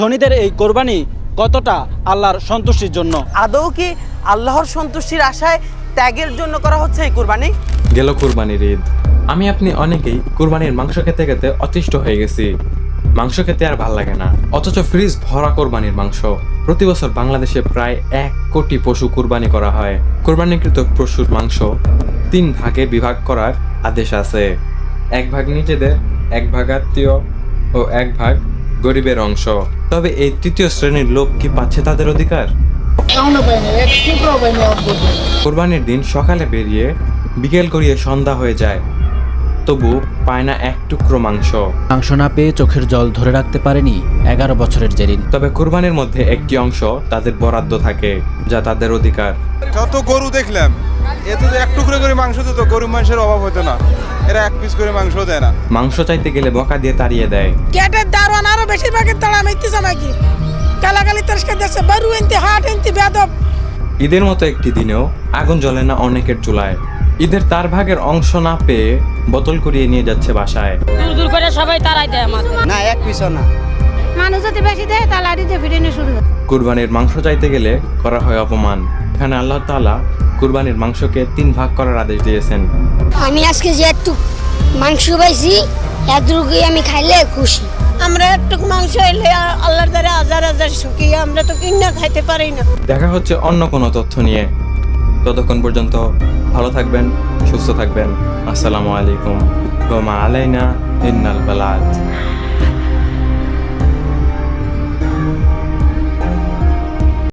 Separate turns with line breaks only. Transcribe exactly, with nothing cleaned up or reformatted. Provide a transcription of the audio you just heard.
ধনীদের এই কোরবানি কতটা আল্লাহর সন্তুষ্টির জন্য?
আদৌ কি আল্লাহর সন্তুষ্টির আশায় ত্যাগের জন্য করা হচ্ছে এই কোরবানি?
গেল কুরবানির ঈদ। আমি আপনি অনেকেই কুরবানির মাংস খেতে খেতে অতিষ্ঠ হয়ে গেছি। মাংস খেতে আর ভাল লাগে না, অথচ ফ্রিজ ভরা কোরবানির মাংস। প্রতি বছর বাংলাদেশে প্রায় এক কোটি পশু কুরবানি করা হয়। কোরবানিকৃত পশুর মাংস তিন ভাগে বিভাগ করার আদেশ আছে। এক ভাগ নিজেদের, এক ভাগ আত্মীয় ও এক ভাগ গরিবের অংশ। তবে এই তৃতীয় শ্রেণীর লোক কি পাচ্ছে তাদের অধিকার? কোরবানির দিন সকালে বেরিয়ে বিকেল গড়িয়ে সন্ধ্যা হয়ে যায়, তবু পায় না এক টুকরো মাংস।
মাংস না পেয়ে চোখের জল ধরে রাখতে পারেনি এগারো বছরের জেরিন।
তবে কোরবানির মধ্যে একটি অংশ তাদের বরাদ্দ থাকে, যা তাদের অধিকার।
যত গরু দেখলাম, এতে তো এক টুকরো করে মাংস দিত, গরু মাংসের অভাব হতো না। এরা এক পিস করে মাংস দেয় না।
মাংস চাইতে গেলে বকা দিয়ে তাড়িয়ে দেয়।
গেটের দারোয়ান আরো বেশিরভাগের তাড়া মাইতেছে নাকি, গালাগালি তেরস্কার দিচ্ছে, বারু এনতে হাট এনতে বেদব।
ঈদের মতো একটি দিনেও আগুন জ্বলে না অনেকের চুলায়। ঈদের তার ভাগের অংশ না পেয়ে বোতল করিয়ে নিয়ে যাচ্ছে বাসায়।
দূর দূর করে সবাই তারাই দেয় আমাদের।
না, এক পিসও না।
মানুষ যদি বেশি দেয় তাহলে আড়িতে ফিরে নিয়ে শুরু হয়।
কুরবানির মাংস চাইতে গেলে করা হয় অপমান। এখানে আল্লাহ তাআলা কুরবানির মাংসকে তিন ভাগ করার আদেশ দিয়েছেন।
আমি আজকে যে একটু মাংস পাইছি, এতটুকুই আমি খাইলে খুশি।
আমরা একটু মাংস এলে আল্লাহর দ্বারা হাজার হাজার সুখী, আমরা তো কিনা খাইতে পারি না।
দেখা হচ্ছে অন্য কোনো তথ্য নিয়ে। ততক্ষণ পর্যন্ত ভালো থাকবেন, সুস্থ থাকবেন। আসসালামু আলাইকুম। ওয়া মা আলাইনা ইন্নাল বালাগ।